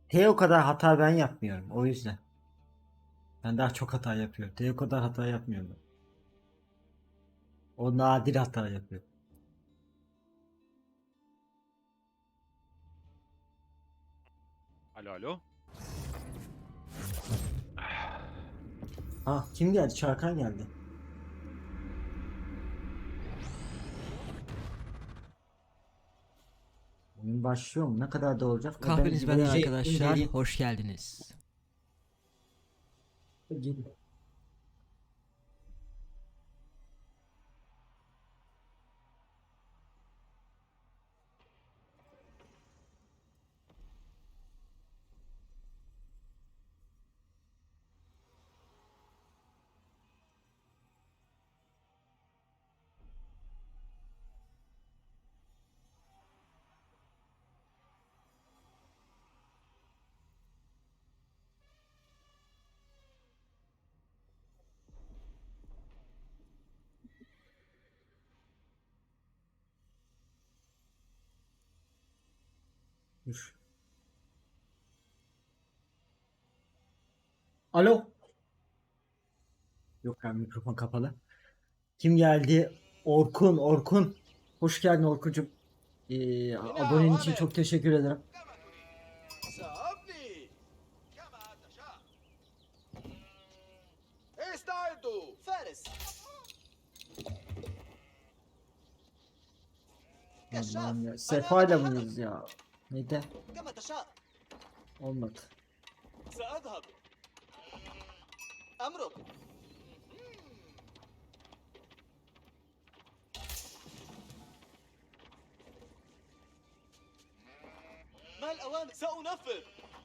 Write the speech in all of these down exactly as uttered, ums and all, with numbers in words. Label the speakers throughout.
Speaker 1: T o kadar hata ben yapmıyorum. O yüzden. Ben daha çok hata yapıyorum. T o kadar hata yapmıyorum. O nadir hata yapıyor.
Speaker 2: Alo alo.
Speaker 1: Ha kim geldi? Çarkan geldi. Oyun başlıyor mu? Ne kadar da olacak? E ben
Speaker 3: Kahveniz benden
Speaker 1: reji
Speaker 3: arkadaşlar.
Speaker 1: inceleyeyim.
Speaker 3: Hoş geldiniz.
Speaker 1: Gel- Dur. Alo. Yok ben mikrofon kapalı. Kim geldi? Orkun, Orkun. Hoş geldin Orkuncuğum. Ee, abonen için çok teşekkür ederim.
Speaker 4: سأبني كما تشاء. استعدوا فارس.
Speaker 1: Allah'ım ya. Sefa'yla mıyız ya? Neden?
Speaker 4: كما تشاء.
Speaker 1: Olmadı.
Speaker 4: سأذهب. أمرك. ما الأوامر؟ سأنفذ.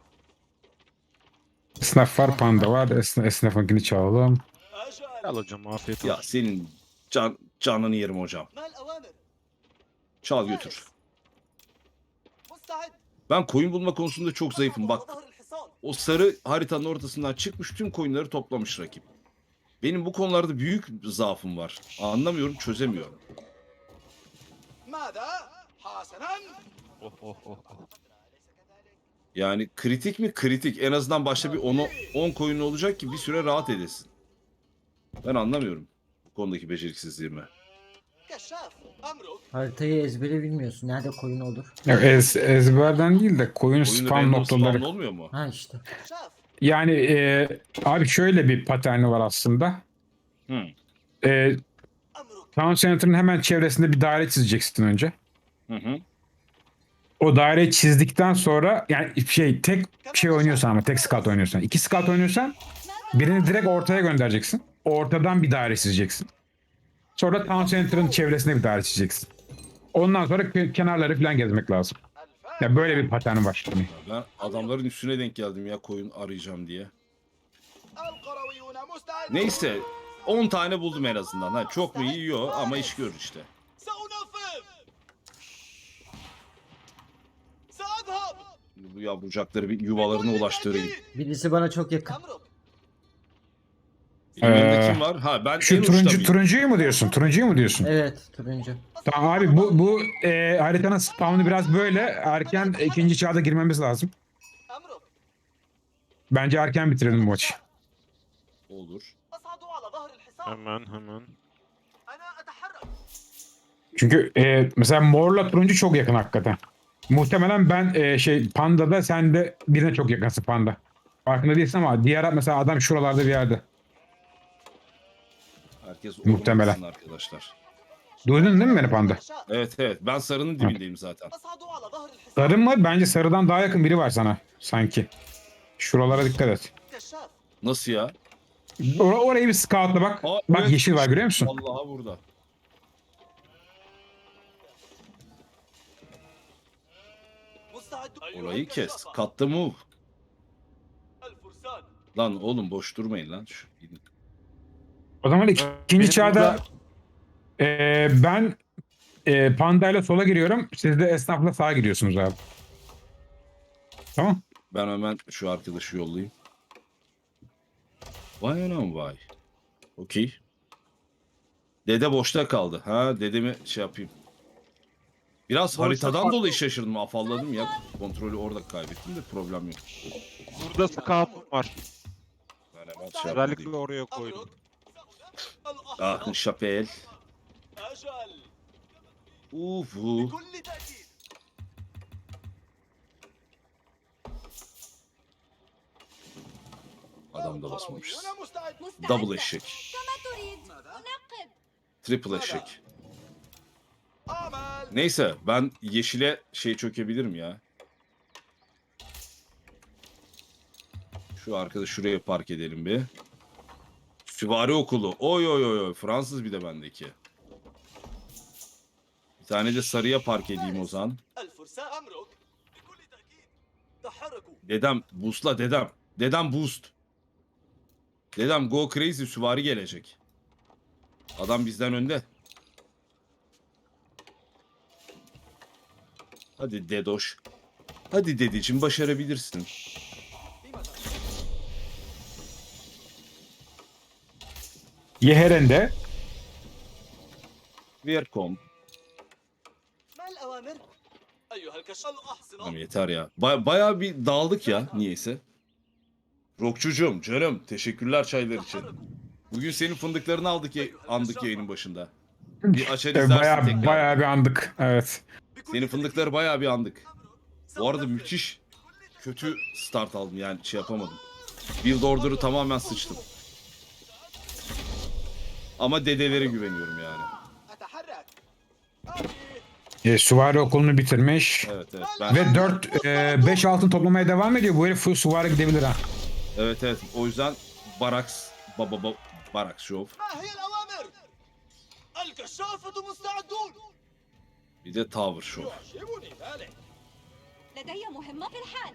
Speaker 5: Esnaf var, panda var. Esna, esnafınkini çalalım.
Speaker 4: أجل.
Speaker 2: Al hocam afiyet
Speaker 6: Ya
Speaker 2: olsun.
Speaker 6: senin can, canını yerim hocam.
Speaker 4: ما الأوامر؟
Speaker 6: Çal götür.
Speaker 4: مستعد.
Speaker 6: Ben koyun bulma konusunda çok zayıfım. Bak
Speaker 4: ظهر الحصان.
Speaker 6: o sarı haritanın ortasından çıkmış tüm koyunları toplamış rakip. Benim bu konularda büyük zaafım var. Anlamıyorum, çözemiyorum.
Speaker 4: ماذا؟ حسنا.
Speaker 2: Oh oh oh. oh.
Speaker 6: Yani kritik mi? Kritik. En azından başta bir on koyun olacak ki bir süre rahat edesin. Ben anlamıyorum bu konudaki beceriksizliğimi.
Speaker 4: كشاف. أمرك.
Speaker 1: Haritayı ezbere bilmiyorsun. Nerede koyun olur?
Speaker 5: Ya ez, ezberden değil de koyun
Speaker 6: Koyun
Speaker 5: spam
Speaker 6: random
Speaker 5: noktaları.
Speaker 6: spawn olmuyor mu?
Speaker 1: Ha işte.
Speaker 4: كشاف.
Speaker 5: Yani e, abi şöyle bir paterni var aslında.
Speaker 6: Hı.
Speaker 5: E,
Speaker 4: أمرك.
Speaker 5: Town Center'ın hemen çevresinde bir daire çizeceksin önce.
Speaker 6: Hı hı.
Speaker 5: O daireyi çizdikten sonra yani şey tek şey oynuyorsan ama tek scout oynuyorsan. iki scout oynuyorsan birini direkt ortaya göndereceksin. Ortadan bir daire çizeceksin. Sonra Town Center'ın çevresinde bir daire çizeceksin. Ondan sonra ke- kenarları falan gezmek lazım.
Speaker 4: الفارس.
Speaker 5: Ya böyle bir patern var. Hani.
Speaker 6: Ben adamların üstüne denk geldim ya koyun arayacağım diye.
Speaker 4: القرويون مستعدون.
Speaker 6: Neyse on tane buldum en azından. Ha, çok mu iyi? Yok ama iş görür işte.
Speaker 4: سأنفذ. سأذهب.
Speaker 6: Bu yavrucakları bir yuvalarına ulaştırayım.
Speaker 1: Birisi bana çok yakın.
Speaker 4: أمرك.
Speaker 6: Benim yanımda
Speaker 5: Ee,
Speaker 6: kim var? Ha ben
Speaker 5: Şu
Speaker 6: en uçta
Speaker 5: turuncu
Speaker 6: mıyım?
Speaker 5: turuncuyu mu diyorsun? Turuncuyu mu diyorsun?
Speaker 1: Evet turuncu.
Speaker 5: Tamam abi bu bu e, haritanın spawn'u biraz böyle erken ikinci çağda girmemiz lazım.
Speaker 4: أمرك.
Speaker 5: Bence erken bitirelim bu maçı.
Speaker 6: Olur.
Speaker 4: أصعد على ظهر الحصان.
Speaker 2: Hemen hemen.
Speaker 4: أنا أتحرك.
Speaker 5: Çünkü e, mesela morla turuncu çok yakın hakikaten. Muhtemelen ben e, şey pandada sen de birine çok yakınsın panda. Farkında değilsin ama diğer mesela adam şuralarda bir yerde.
Speaker 6: Herkes
Speaker 5: Muhtemelen.
Speaker 6: olmasın arkadaşlar.
Speaker 5: Duydun değil mi beni panda?
Speaker 6: Evet evet ben sarının dibindeyim zaten.
Speaker 4: أصعد على ظهر الحصان.
Speaker 5: Sarı mı? Bence sarıdan daha yakın biri var sana sanki. Şuralara dikkat et.
Speaker 4: كشاف.
Speaker 6: Nasıl ya?
Speaker 5: Or orayı bir scoutla bak.
Speaker 6: Aa,
Speaker 5: Bak
Speaker 6: evet.
Speaker 5: yeşil var görüyor musun?
Speaker 6: Vallahi burada.
Speaker 4: مستعد.
Speaker 6: Orayı kes. Cut the move.
Speaker 4: الفرسان.
Speaker 6: Lan oğlum boş durmayın lan. Şu, gidin.
Speaker 5: O zaman ikinci
Speaker 2: Benim
Speaker 5: çağda
Speaker 2: burada-
Speaker 5: e, ben e, pandayla sola giriyorum. Siz de esnafla sağa giriyorsunuz abi. Tamam.
Speaker 6: Ben hemen şu arkadaşı yollayayım. Vay anam vay. Okey. Dede boşta kaldı. Ha dedemi şey yapayım. Biraz
Speaker 2: Boşta
Speaker 6: haritadan
Speaker 2: kal-
Speaker 6: dolayı şaşırdım. Afalladım ya. Kontrolü orada kaybettim de problem yok.
Speaker 2: Burada scout'um var.
Speaker 6: Ben hemen şey
Speaker 2: Özellikle
Speaker 6: yapayım.
Speaker 2: oraya koydum.
Speaker 6: Ah şapel.
Speaker 4: أجل
Speaker 6: Ufu.
Speaker 4: بكل تأكيد.
Speaker 6: Adam da basmamışız.
Speaker 4: أنا مستعد.
Speaker 6: Double eşek.
Speaker 3: كما تريد أنقذ.
Speaker 6: Triple eşek.
Speaker 4: أعمل.
Speaker 6: Neyse ben yeşile şey çökebilirim ya. Şu arkada şuraya park edelim bir. Süvari okulu. Oy oy oy oy. Fransız bir de bendeki. Bir tane de sarıya park edeyim o zaman.
Speaker 4: الفرسان أمرك بكل تأكيد. تحركوا.
Speaker 6: Dedem boostla dedem. Dedem boost. Dedem go crazy süvari gelecek. Adam bizden önde. Hadi dedoş. Hadi dedeciğim başarabilirsin.
Speaker 5: Yeheren'de
Speaker 6: Welcome.
Speaker 4: ما الأوامر؟ أيها الكشاف
Speaker 6: Tamam
Speaker 4: الأحصنة.
Speaker 6: yeter ya. Ba- bayağı bir dağıldık ya niyeyse. Rokçucuğum canım teşekkürler çaylar için.
Speaker 4: تحركوا.
Speaker 6: Bugün senin fındıklarını aldık ya- andık yayının başında. Bir açar izlersin
Speaker 5: bayağı
Speaker 6: tekrar.
Speaker 5: bayağı bir andık. Evet.
Speaker 4: بكل
Speaker 6: Senin
Speaker 4: تأكيد.
Speaker 6: fındıkları bayağı bir andık. Bu arada
Speaker 4: سأنفذ.
Speaker 6: müthiş kötü start aldım yani şey yapamadım. Build order'ı tamamen sıçtım. Ama dedelere güveniyorum yani.
Speaker 4: أتحرك. آتي.
Speaker 5: E, süvari okulunu bitirmiş.
Speaker 6: Evet evet. Ben,
Speaker 5: Ve dört beş altın toplamaya devam ediyor. Bu herif full süvari gidebilir ha.
Speaker 6: evet evet. O yüzden Baraks baba baba Baraks Show.
Speaker 4: ما هي الأوامر؟ الكشافة مستعدون.
Speaker 6: Bir de Tower Show.
Speaker 4: يعجبني ذلك.
Speaker 3: لدي مهمة في الحال.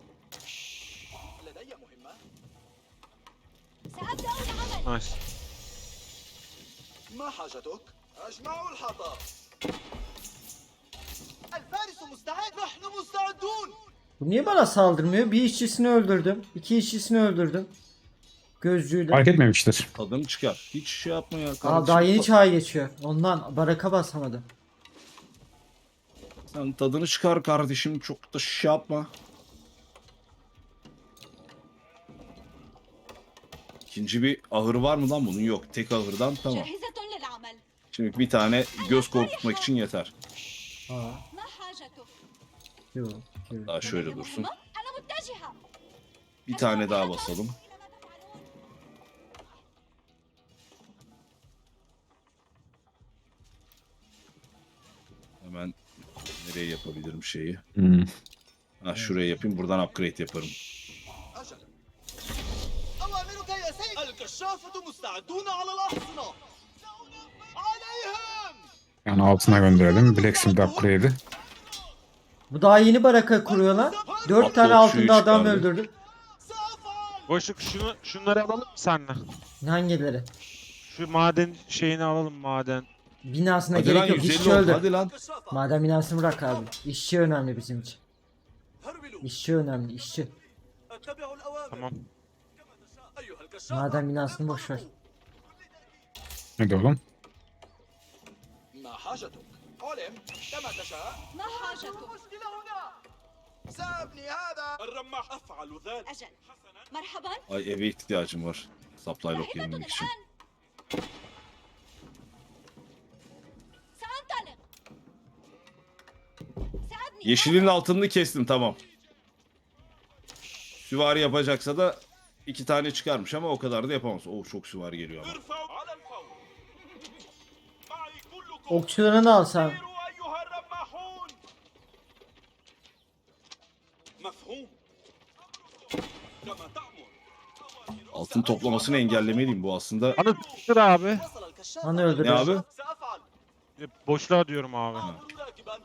Speaker 4: لدي مهمة.
Speaker 3: سأبدأ العمل.
Speaker 2: Nice.
Speaker 4: ما حاجتك؟ أجمع الحطب. الفارس مستعد. نحن مستعدون.
Speaker 1: Bu niye bana saldırmıyor? Bir işçisini öldürdüm. İki işçisini öldürdüm. Gözcüyle.
Speaker 5: Fark etmemiştir.
Speaker 6: Tadını çıkar. Hiç şey yapma ya.
Speaker 1: Aa,
Speaker 6: kardeşim.
Speaker 1: daha yeni çağ geçiyor. Ondan baraka basamadı.
Speaker 6: Sen tadını çıkar kardeşim. Çok da şey yapma. İkinci bir ahır var mı lan bunun? Yok. Tek ahırdan tamam.
Speaker 3: جاهزة للعمل.
Speaker 6: Şimdi bir tane göz korkutmak için yeter.
Speaker 1: Aa,
Speaker 3: ما حاجتك؟
Speaker 1: yok. yok.
Speaker 6: Daha şöyle
Speaker 3: لدي
Speaker 6: dursun.
Speaker 3: مهمة؟ أنا متجهة.
Speaker 6: Bir tane daha basalım.
Speaker 3: إلى ما تفعلون.
Speaker 6: Hemen nereye yapabilirim şeyi?
Speaker 5: Hmm.
Speaker 6: Ha şuraya yapayım. Buradan upgrade yaparım.
Speaker 4: أجل. أوامرك يا سيد. الكشافة مستعدون على الأحصنة. عليهم.
Speaker 5: Yani altına gönderelim. Blacksmith upgrade'i.
Speaker 1: Bu daha yeni baraka kuruyorlar. Dört
Speaker 6: Atlı
Speaker 1: tane
Speaker 6: okçuyu
Speaker 1: altında adam
Speaker 6: çıkardı.
Speaker 1: öldürdüm.
Speaker 4: سأفعل.
Speaker 2: Boşluk şunu, şunları alalım mı seninle?
Speaker 1: Hangileri?
Speaker 2: Şu maden şeyini alalım maden.
Speaker 1: Binasına
Speaker 6: Hadi
Speaker 1: gerek
Speaker 6: lan
Speaker 1: yok.
Speaker 6: yüz
Speaker 1: İşçi
Speaker 6: elli oldu.
Speaker 1: öldür.
Speaker 6: Hadi lan.
Speaker 4: الكشافة.
Speaker 1: Maden binasını bırak abi. İşçi önemli bizim için.
Speaker 4: هرولوا.
Speaker 1: İşçi önemli. işçi.
Speaker 4: اتبعوا الأوامر.
Speaker 2: Tamam.
Speaker 4: كما تشاء. أيها الكشافة.
Speaker 1: Maden binasını boş ver.
Speaker 5: Hadi oğlum.
Speaker 4: ما حاجتك؟ علم. كما تشاء.
Speaker 3: ما حاجتك؟
Speaker 4: المشكلة هنا. سأبني هذا. الرماح أفعل ذلك.
Speaker 3: أجل. مرحبا.
Speaker 6: Ay eve ihtiyacım var. Supply lock
Speaker 3: ذاهبة
Speaker 6: yenilmek için.
Speaker 3: الآن. سأنطلق. سأبني.
Speaker 6: Yeşilin altını kestim tamam. Süvari yapacaksa da iki tane çıkarmış ama o kadar da yapamaz. Oh çok süvari geliyor ama.
Speaker 4: ارفعوا على الفور. معي كلكم.
Speaker 1: Okçularını alsam.
Speaker 4: سيروا أيها الرماحون. مفهوم. كما تأمر.
Speaker 6: Altın toplamasını engellemeliyim bu aslında.
Speaker 2: Anı tıktır abi.
Speaker 4: وصل الكشاف.
Speaker 1: Hani öldürdü.
Speaker 6: Ne abi?
Speaker 4: سأفعل.
Speaker 2: Boşluğa diyorum abi.
Speaker 4: أعمل راكبا.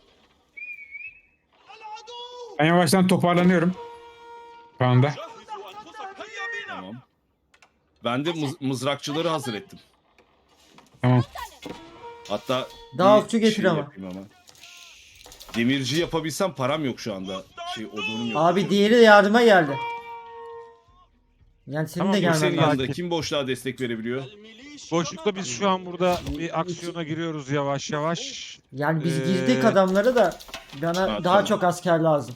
Speaker 4: العدو.
Speaker 5: Ben yavaştan toparlanıyorum. Şu anda.
Speaker 4: جهزوا أنفسكم. هيا بنا.
Speaker 6: Tamam. Ben de mız- mızrakçıları hazır ettim.
Speaker 5: Tamam.
Speaker 6: Hatta
Speaker 1: Daha
Speaker 6: bir
Speaker 1: okçu getir
Speaker 6: şey
Speaker 1: ama.
Speaker 6: yapayım ama. Demirci yapabilsem param yok şu anda. Şey odunum yok.
Speaker 1: Abi diğeri de yardıma geldi. Yani senin
Speaker 2: Tamam,
Speaker 1: de
Speaker 2: bu
Speaker 1: gelmen
Speaker 6: Senin
Speaker 2: senin
Speaker 1: lazım.
Speaker 6: yanında
Speaker 2: Sakin.
Speaker 6: kim boşluğa destek verebiliyor?
Speaker 4: الميليشيا
Speaker 2: Boşlukta biz şu an burada bir aksiyona giriyoruz yavaş yavaş.
Speaker 1: Yani biz
Speaker 2: Ee,
Speaker 1: girdik adamlara da bana
Speaker 6: Ha,
Speaker 1: daha
Speaker 6: tamam.
Speaker 1: çok asker lazım.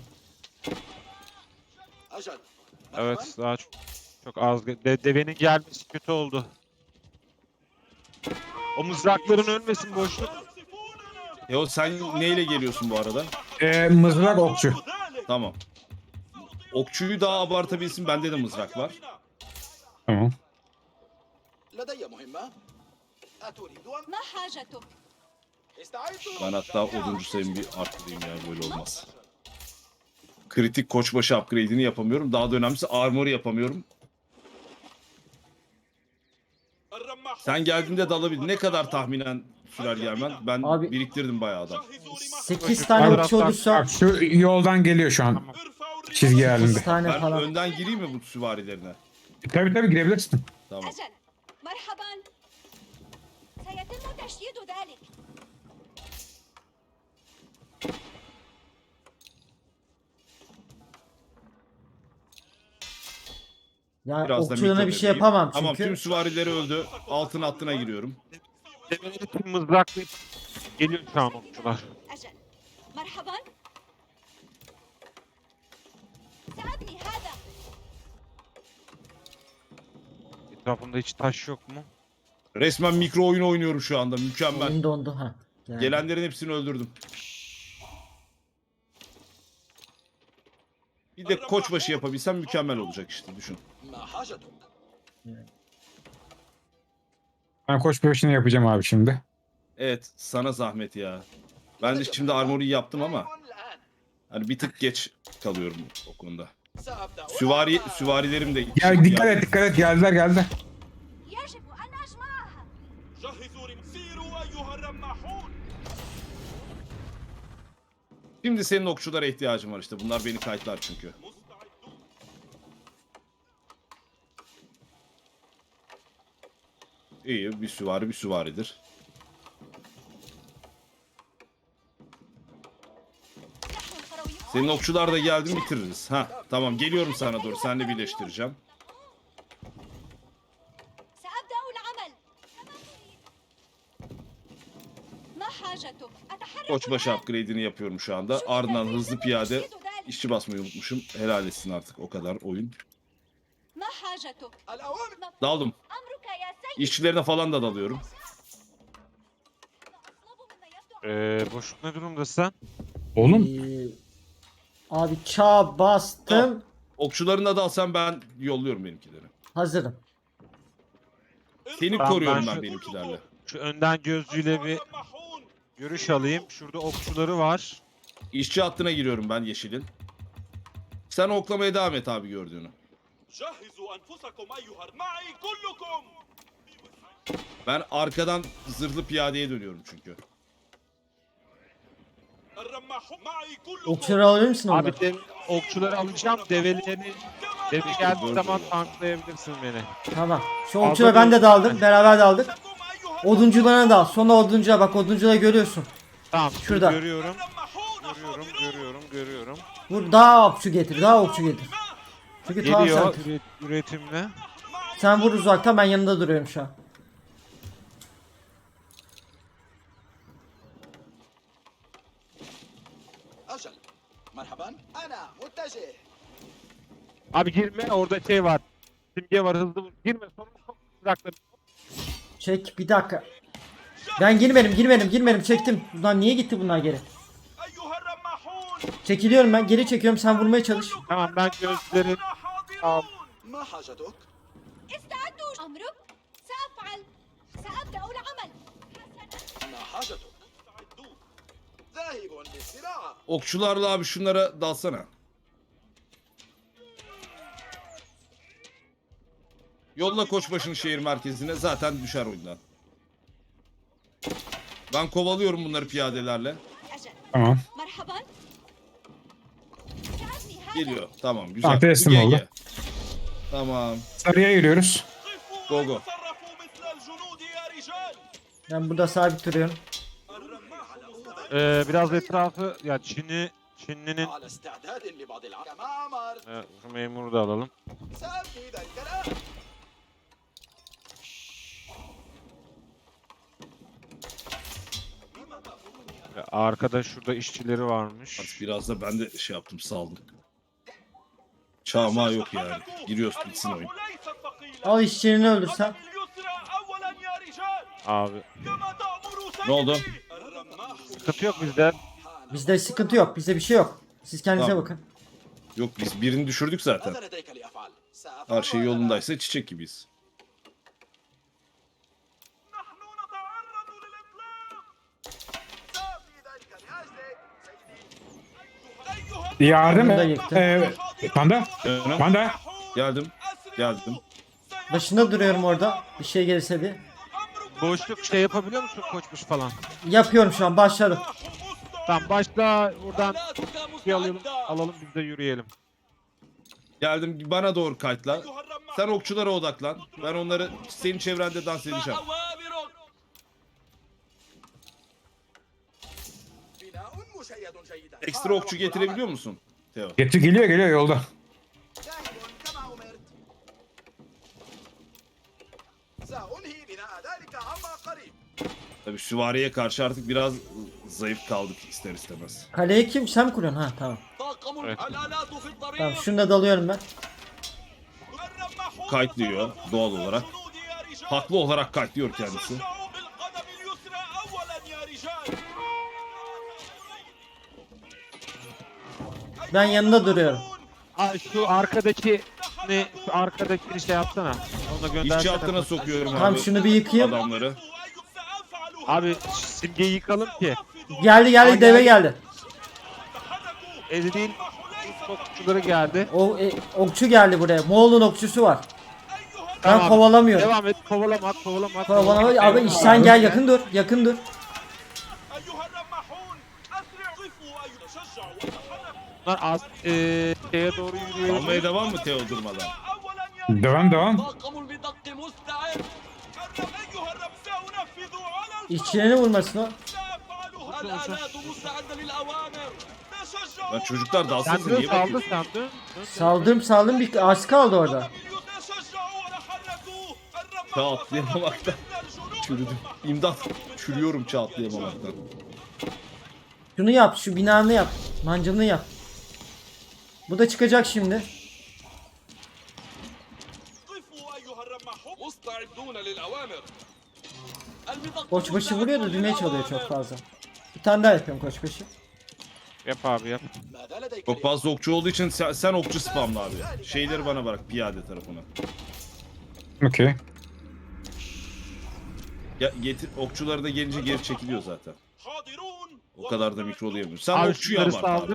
Speaker 4: أجل.
Speaker 2: Evet daha çok, çok az. De, devenin gelmesi kötü oldu. O mızrakların ölmesin boşluk.
Speaker 6: Teo sen neyle geliyorsun bu arada?
Speaker 5: Ee, mızrak okçu.
Speaker 6: Tamam. Okçuyu daha abartabilsin. Bende de mızrak var.
Speaker 5: Tamam.
Speaker 4: لدي مهمة. أتريد أن
Speaker 3: ما حاجتك؟
Speaker 4: استعدوا.
Speaker 6: Ben hatta oduncu sayımı bir arttırayım ya, böyle olmaz. Kritik koçbaşı upgrade'ini yapamıyorum. Daha da önemlisi armor yapamıyorum. Sen geldiğinde dalabildin. Ne kadar tahminen sürer gelmen? Ben
Speaker 1: Abi-
Speaker 6: biriktirdim bayağı adam.
Speaker 1: sekiz tane
Speaker 2: Abi-
Speaker 1: okçu olursa
Speaker 5: Bak şu yoldan geliyor şu an. Çizgi halinde.
Speaker 1: sekiz tane
Speaker 6: Ben
Speaker 1: falan.
Speaker 6: önden gireyim mi bu süvarilerine?
Speaker 5: Tabii tabii girebilirsin.
Speaker 6: Tamam.
Speaker 3: أجل مرحبا سيتم تشييد ذلك
Speaker 1: Yani
Speaker 6: Biraz da
Speaker 1: okçularına
Speaker 6: mikro
Speaker 1: bir şey
Speaker 6: vereyim.
Speaker 1: yapamam
Speaker 6: Tamam,
Speaker 1: çünkü.
Speaker 6: tüm süvarileri öldü. Altın hattına giriyorum.
Speaker 2: Develeri tüm mızraklayıp geliyor şu an okçular.
Speaker 3: أجل مرحبا سأبني هذا
Speaker 2: Etrafında hiç taş yok mu?
Speaker 6: Resmen mikro oyun oynuyorum şu anda. Mükemmel.
Speaker 1: Oyun dondu ha. Yani.
Speaker 6: Gelenlerin hepsini öldürdüm. Bir de koçbaşı yapabilsem mükemmel olacak işte, düşün.
Speaker 4: ما حاجتك؟
Speaker 5: Ben koç peşini yapacağım abi şimdi.
Speaker 6: Evet, sana zahmet ya. Ben de şimdi armoru yaptım ama
Speaker 4: الآن.
Speaker 6: hani bir tık geç kalıyorum o konuda.
Speaker 4: سأبدأ.
Speaker 6: Süvari süvarilerim de
Speaker 5: Ya dikkat et dikkat et geldiler geldiler.
Speaker 3: يجب أن أجمعها
Speaker 4: جهزوا رم- سيروا أيها الرماحون.
Speaker 6: Şimdi senin okçulara ihtiyacım var işte. Bunlar beni kayıtlar çünkü.
Speaker 4: مستعدون.
Speaker 6: İyi, bir süvari bir süvaridir.
Speaker 3: نحن القرويون
Speaker 6: Senin okçular da geldi mi bitiririz. Ha, tamam, geliyorum sana doğru. Seninle birleştireceğim.
Speaker 3: سأبدأ العمل كما تريد ما حاجتك؟ أتحرك
Speaker 6: Koçbaşı
Speaker 3: الآن.
Speaker 6: upgrade'ini yapıyorum şu anda. Ardından hızlı piyade işçi basmayı unutmuşum. Helal etsin artık o kadar oyun.
Speaker 3: ما حاجتك؟
Speaker 4: الأوامر.
Speaker 6: Daldım.
Speaker 3: أمرك يا سيد
Speaker 6: İşçilerine falan da dalıyorum.
Speaker 3: أطلب مما يبدو
Speaker 2: Ee, boşluk ne durumdasın?
Speaker 5: Oğlum
Speaker 1: Ee, abi çağ bastım.
Speaker 6: Okçularını da alsam ben yolluyorum benimkileri.
Speaker 1: Hazırım.
Speaker 6: Seni
Speaker 2: Tamam,
Speaker 6: koruyorum
Speaker 2: ben
Speaker 6: ben
Speaker 2: şu-
Speaker 6: benimkilerle.
Speaker 2: Şu önden gözcüyle bir
Speaker 4: الرماحون.
Speaker 2: görüş alayım. Şurada okçuları var.
Speaker 6: İşçi hattına giriyorum ben yeşilin. Sen oklamaya devam et abi gördüğünü.
Speaker 4: جهزوا أنفسكم أيها الر- معي كلكم.
Speaker 6: Ben arkadan zırhlı piyadeye dönüyorum çünkü.
Speaker 4: الرماحون معي كلكم.
Speaker 1: Okçuları alabilir misin onları?
Speaker 2: Abi de, okçuları alacağım. Develerini deve geldiği zaman tanklayabilirsin beni.
Speaker 1: Tamam. Şu okçuları ben de daldım. Beraber daldık.
Speaker 4: أيها
Speaker 1: Oduncularına dal. Sonra oduncuya bak, oduncuları görüyorsun.
Speaker 2: Tamam.
Speaker 1: Şurada.
Speaker 2: Görüyorum.
Speaker 4: الرماحون
Speaker 2: Görüyorum,
Speaker 4: حاضرون.
Speaker 2: görüyorum, görüyorum.
Speaker 1: Vur, daha okçu getir. Daha okçu getir. Çünkü tamam
Speaker 2: Geliyor
Speaker 1: sen.
Speaker 2: üret- üretimle.
Speaker 1: Sen vur uzaktan, ben yanında duruyorum şu an.
Speaker 4: أجل. مرحبا. أنا متجه.
Speaker 2: Abi girme, orada şey var. Simge var, hızlı vur. Girme, sonra çok mızrakları.
Speaker 1: Çek bir dakika. Ben girmedim girmedim girmedim çektim. Bunlar niye gitti bunlar geri?
Speaker 4: أيها الرماحون.
Speaker 1: Çekiliyorum ben, geri çekiyorum, sen vurmaya çalış.
Speaker 2: Tamam, ben gözleri
Speaker 4: حاضرون. ما حاجتك؟
Speaker 3: استعدوا أمرك سأفعل سأبدأ العمل حسنا
Speaker 4: ما حاجتك؟ مستعدون. ذاهب للزراعة.
Speaker 6: Okçularla abi şunlara dalsana. Yolla koçbaşını şehir merkezine, zaten düşer oyundan. Ben kovalıyorum bunları piyadelerle.
Speaker 3: أجل
Speaker 5: tamam.
Speaker 3: مرحبا سأبني هذا
Speaker 6: Geliyor. Tamam, güzel.
Speaker 5: Ah, teslim
Speaker 6: G G.
Speaker 5: oldu.
Speaker 6: Tamam.
Speaker 5: Sarıya yürüyoruz.
Speaker 6: Go go.
Speaker 4: تصرفوا مثل الجنود يا رجال.
Speaker 1: Ben burada sabit duruyorum.
Speaker 2: Ee, biraz etrafı, ya Çin'i, Çinli'nin
Speaker 4: على استعداد لبعض العمل. كما أمر.
Speaker 2: e, şu memuru da alalım.
Speaker 4: سأبني ذلك الآن.
Speaker 2: Arkada şurada işçileri varmış.
Speaker 6: Artık biraz da ben de şey yaptım, saldım. Çağma yok yani. Giriyoruz, bitsin oyun.
Speaker 1: Al işçilerini öldürsen.
Speaker 2: Abi
Speaker 6: Ne oldu?
Speaker 2: sıkıntı yok bizde.
Speaker 1: Bizde sıkıntı yok. Bizde bir şey yok. Siz kendinize
Speaker 6: Tamam.
Speaker 1: bakın.
Speaker 6: Yok, biz birini düşürdük zaten.
Speaker 4: ماذا لديك لأفعل؟
Speaker 6: Her şey yolundaysa çiçek gibiyiz.
Speaker 5: Yardım
Speaker 1: Onu da
Speaker 5: et.
Speaker 1: yıktım.
Speaker 5: Ee, panda.
Speaker 6: Canım,
Speaker 5: Panda.
Speaker 6: geldim. Geldim.
Speaker 1: Başında duruyorum orada. Bir şey gelirse diye.
Speaker 2: Boşluk şey yapabiliyor musun koçmuş falan?
Speaker 1: Yapıyorum şu an. Başladım.
Speaker 2: Tamam başla buradan bir alalım, alalım biz de yürüyelim.
Speaker 6: Geldim, bana doğru kayıtla. Sen okçulara odaklan. Ben onları senin çevrende dans edeceğim.
Speaker 4: بناء مشيد جيدا.
Speaker 6: Ekstra okçu getirebiliyor musun Teo?
Speaker 5: Getir geliyor geliyor yolda.
Speaker 4: جاهز كما أمرت. سأنهي بناء ذلك عما قريب.
Speaker 6: Tabii süvariye karşı artık biraz zayıf kaldık ister istemez.
Speaker 1: Kaleyi kim? Sen mi kuruyorsun? Ha tamam.
Speaker 4: طاقم
Speaker 2: Evet.
Speaker 4: الآلات في الطريق.
Speaker 1: Tamam şunda dalıyorum ben.
Speaker 6: Kayıtlıyor doğal olarak. Haklı olarak kayıtlıyor kendisi.
Speaker 1: Ben yanında duruyorum.
Speaker 2: Ay şu arkadaki ne şu arkadaki şey yapsana. Onu göndersene.
Speaker 6: İşçi hattına sokuyorum
Speaker 1: Tamam
Speaker 6: abi
Speaker 1: şunu bir yıkayayım.
Speaker 6: adamları.
Speaker 2: Abi simgeyi yıkalım ki.
Speaker 1: Geldi geldi deve geldi.
Speaker 2: Ezreal okçuları geldi.
Speaker 1: O e, okçu geldi buraya. Moğol'un okçusu var. Ben
Speaker 2: Tamam.
Speaker 1: kovalamıyorum.
Speaker 2: Devam et kovalama kovalama.
Speaker 1: Kovalama. Abi sen gel yakın dur. Yakın dur.
Speaker 2: Bunlar az eee şeye doğru yürüyor.
Speaker 6: Almaya devam mı Teo durmadan?
Speaker 5: Devam devam.
Speaker 4: طاقم البدق مستعد.
Speaker 1: İşçilerini vurmasın o.
Speaker 4: الآلات مستعدة للأوامر.
Speaker 6: Lan çocuklar dansın
Speaker 2: Sen dön
Speaker 6: niye
Speaker 2: saldı
Speaker 6: bakıyorsun?
Speaker 2: sen dön. dön.
Speaker 1: Saldım saldım bir az kaldı orada.
Speaker 6: Çağ atlayamamaktan çürüdüm. İmdat, çürüyorum çağ atlayamamaktan.
Speaker 1: Şunu yap şu binanı yap. Mancınını yap. Bu da çıkacak şimdi.
Speaker 4: مستعدون للأوامر. البدق
Speaker 1: Koçbaşı vuruyor da düğmeye çalıyor çok fazla. Bir tane daha yapıyorum koçbaşı.
Speaker 2: Yap abi yap.
Speaker 4: ماذا لديك
Speaker 6: Çok fazla okçu olduğu için sen, sen okçu spamla abi. Şeyleri bana bırak piyade tarafına.
Speaker 5: Okey.
Speaker 6: Ya, getir okçuları da gelince geri çekiliyor zaten. O kadar da mikrolayamıyor. Sen
Speaker 2: Abi
Speaker 6: okçuyu
Speaker 2: şunları
Speaker 6: abart abi.
Speaker 2: saldır.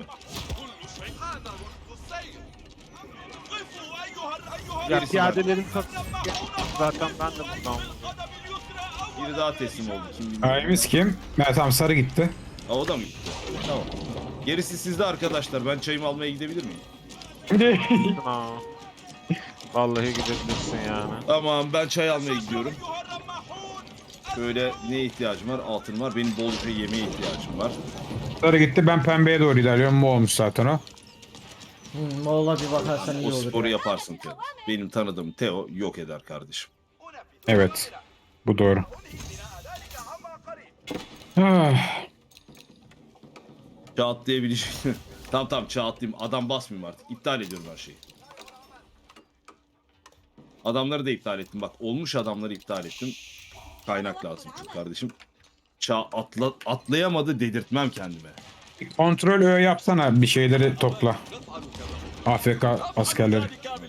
Speaker 2: Ya
Speaker 6: Gerisi
Speaker 2: piyadelerin satın. Zaten ben de bundan.
Speaker 6: Biri daha teslim oldu. Kim bilmiyor.
Speaker 5: Ayımız kim? Ha, tamam sarı gitti.
Speaker 6: Ha, o da mı gitti? Tamam. Gerisi sizde arkadaşlar. Ben çayımı almaya gidebilir miyim?
Speaker 2: Aa. Vallahi gidebilirsin yani.
Speaker 6: Tamam, ben çay almaya gidiyorum. Şöyle neye ihtiyacım var? Altın var. Benim bolca yemeğe ihtiyacım var.
Speaker 5: Sarı gitti ben pembeye doğru ilerliyorum. Bu olmuş zaten o.
Speaker 1: Hmm, Moğol'a bir bakarsan iyi
Speaker 6: O
Speaker 1: olur.
Speaker 6: sporu
Speaker 1: ya.
Speaker 6: yaparsın Teo. Benim tanıdığım Teo yok eder kardeşim.
Speaker 5: Evet. Bu doğru. Ah,
Speaker 6: Çağ atlayabilecek. Tamam tamam çağ atlayayım. Adam basmayayım artık. İptal ediyorum her şeyi. Adamları da iptal ettim. Bak olmuş adamları iptal ettim. Kaynak lazım çünkü kardeşim. Çağ atla, atlayamadı dedirtmem kendime.
Speaker 5: kontrol ö yapsana bir şeyleri topla. A F K askerleri.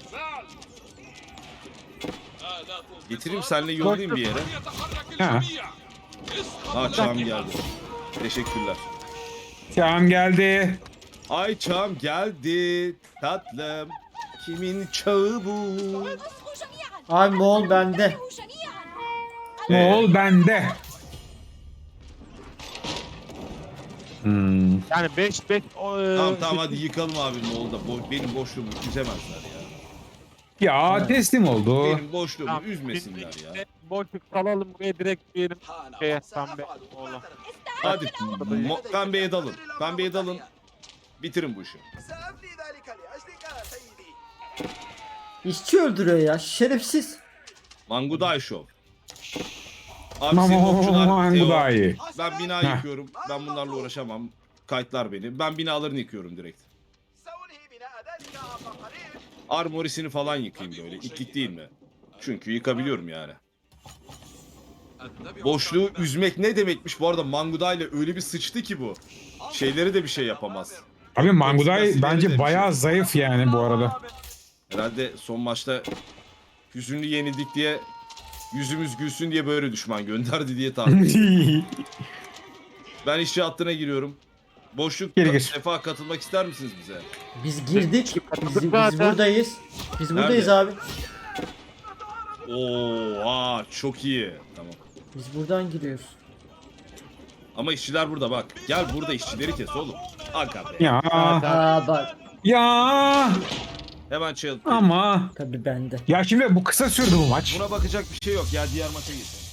Speaker 6: Getireyim seninle yollayayım bir yere.
Speaker 5: Ha.
Speaker 6: Ha çağım geldi. Teşekkürler.
Speaker 5: Tamam geldi.
Speaker 6: Ay çağım geldi. Tatlım. Kimin çağı bu?
Speaker 3: اصغوا جميعا.
Speaker 1: Abi Moğol bende.
Speaker 3: اصغوا جميعا.
Speaker 5: Moğol bende. Hmm.
Speaker 2: Yani beş beş o, e,
Speaker 6: Tamam tamam hadi yıkalım abi Moğol'da. Bo- benim boşluğumu üzemezler ya.
Speaker 5: Ya teslim oldu.
Speaker 6: Benim boşluğumu
Speaker 2: Tamam,
Speaker 6: üzmesinler
Speaker 2: biz
Speaker 6: ya.
Speaker 2: de Boşluk salalım buraya direkt diyelim.
Speaker 4: حان
Speaker 2: Şeye
Speaker 4: وقت
Speaker 2: pembe
Speaker 4: سأفعل
Speaker 2: oğlan.
Speaker 4: مباشرة.
Speaker 6: Hadi mo- pembeye dalın. Pembeye dalın. Bitirin bu işi.
Speaker 4: سأبني ذلك لأجلك سيدي.
Speaker 1: İşçi öldürüyor ya şerefsiz.
Speaker 6: Manguday Show. Abi senin okçular Teo.
Speaker 5: Mangudai.
Speaker 6: Ben bina
Speaker 5: Heh.
Speaker 6: yıkıyorum. Ben bunlarla uğraşamam. Kayıtlar beni. Ben binalarını yıkıyorum direkt.
Speaker 4: سأنهي بناء ذلك عما قريب.
Speaker 6: Armorisini falan yıkayım böyle. İtlik değil mi? Çünkü yıkabiliyorum yani. Boşluğu üzmek ne demekmiş bu arada? Mangudai ile öyle bir sıçtı ki bu. Şeyleri de bir şey yapamaz.
Speaker 5: Abi Mangudai
Speaker 6: Temsilcileri de
Speaker 5: bence
Speaker 6: bir
Speaker 5: bayağı
Speaker 6: şey.
Speaker 5: zayıf yani bu arada.
Speaker 6: Herhalde son maçta hüzünlü yenildik diye yüzümüz gülsün diye böyle düşman gönderdi diye tahmin ediyorum. Ben işçi hattına giriyorum. Boşluk
Speaker 5: Geri gir.
Speaker 6: Sefa katılmak ister misiniz bize?
Speaker 1: Biz girdik. Biz, biz
Speaker 2: Zaten.
Speaker 1: buradayız. Biz
Speaker 6: Nerede?
Speaker 1: buradayız abi.
Speaker 6: Oo, çok iyi. Tamam.
Speaker 1: Biz buradan giriyoruz.
Speaker 6: Ama işçiler burada bak. Gel burada işçileri kes oğlum. Aga be.
Speaker 5: Ya
Speaker 1: Aa bak.
Speaker 5: ya
Speaker 6: Hemen çıl.
Speaker 5: ama
Speaker 1: Tabii bende.
Speaker 5: ya şimdi bu kısa sürdü bu maç.
Speaker 6: Buna bakacak bir şey yok ya, diğer maça geçelim.